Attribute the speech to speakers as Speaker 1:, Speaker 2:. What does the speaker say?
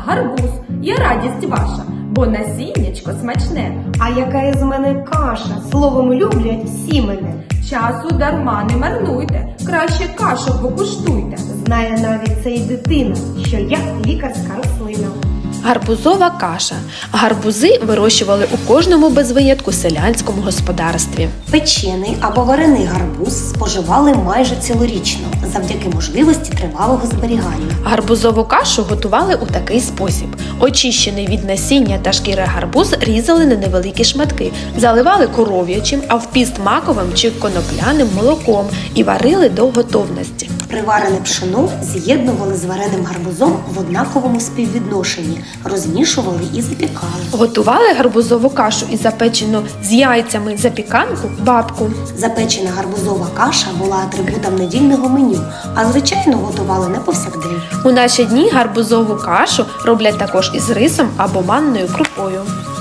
Speaker 1: гарбуз, є радість ваша, бо насіннячко смачне.
Speaker 2: А яка із мене каша, словом люблять всі мене.
Speaker 1: Часу дарма не марнуйте, краще кашу покуштуйте.
Speaker 2: Знає навіть ця й дитина, що я лікарська рослина.
Speaker 3: Гарбузова каша. Гарбузи вирощували у кожному без винятку селянському господарстві.
Speaker 4: Печений або варений гарбуз споживали майже цілорічно, завдяки можливості тривалого зберігання.
Speaker 3: Гарбузову кашу готували у такий спосіб. Очищений від насіння та шкіри гарбуз різали на невеликі шматки, заливали коров'ячим, а в піст маковим чи конопляним молоком і варили до готовності.
Speaker 4: Приварене пшено з'єднували з вареним гарбузом в однаковому співвідношенні, розмішували і запікали.
Speaker 3: Готували гарбузову кашу і запечену з яйцями запіканку бабку.
Speaker 4: Запечена гарбузова каша була атрибутом недільного меню, а звичайно готували не повсякдень.
Speaker 3: У наші дні гарбузову кашу роблять також із рисом або манною крупою.